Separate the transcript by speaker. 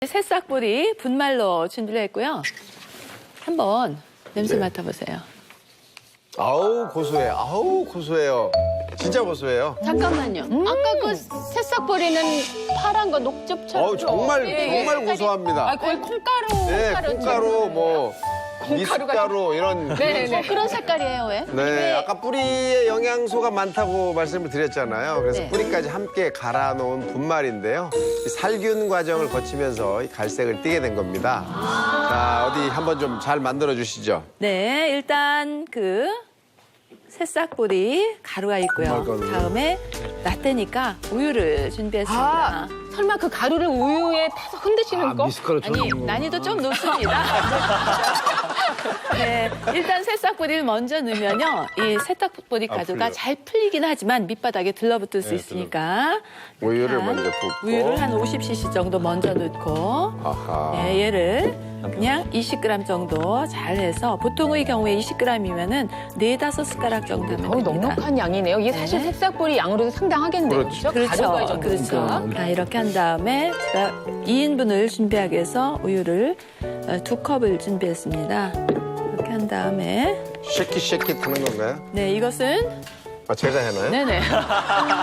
Speaker 1: 새싹보리 분말로 준비를 했고요. 한번 냄새 맡아보세요.
Speaker 2: 아우 고소해. 아우 고소해요. 진짜 고소해요.
Speaker 3: 잠깐만요. 아까 그 새싹보리는 파란 거 녹즙처럼.
Speaker 2: 어우 정말
Speaker 3: 예,
Speaker 2: 정말 고소합니다.
Speaker 3: 아, 거의 콩가루.
Speaker 2: 네,
Speaker 3: 가루처럼.
Speaker 2: 콩가루 뭐 미숫가루 이런.
Speaker 3: 네네.
Speaker 1: 그런 색깔이에요, 왜?
Speaker 2: 네, 아까 뿌리에 영양소가 많다고 말씀을 드렸잖아요. 그래서
Speaker 1: 네.
Speaker 2: 뿌리까지 함께 갈아 놓은 분말인데요. 이 살균 과정을 거치면서 이 갈색을 띠게 된 겁니다. 자, 어디 한번 좀 잘 만들어 주시죠.
Speaker 1: 네, 일단 그 새싹보리 가루가 있고요.
Speaker 2: 분말 가루.
Speaker 1: 다음에 라떼니까 우유를 준비했습니다.
Speaker 3: 아, 설마 그 가루를 우유에 타서 흔드시는 거?
Speaker 1: 아니, 난이도 좀 높습니다. 네, 일단 새싹보리를 먼저 넣으면요. 이 새싹보리 가루가
Speaker 2: 풀려요.
Speaker 1: 잘 풀리긴 하지만 밑바닥에 들러붙을 수 있으니까.
Speaker 2: 우유를
Speaker 1: 한
Speaker 2: 먼저 붓고.
Speaker 1: 우유를 한 50cc 정도 먼저 넣고
Speaker 2: 아하.
Speaker 1: 네, 얘를 그냥 20g 정도 잘 해서 보통의 경우에 20g이면은 4-5숟가락 정도 하면
Speaker 3: 거의
Speaker 1: 됩니다.
Speaker 3: 넉넉한 양이네요. 이게 사실
Speaker 1: 네.
Speaker 3: 새싹보리 양으로도 상당하겠네요.
Speaker 2: 그렇죠.
Speaker 3: 가루가 이 정도니까.
Speaker 1: 그렇죠. 자, 이렇게 한 다음에 제가 2인분을 준비하기 위해서 우유를 2컵을 준비했습니다. 이렇게 한 다음에
Speaker 2: 쉐킷 하는 건가요?
Speaker 1: 네, 이것은
Speaker 2: 아, 제가 해나요?
Speaker 1: 네네.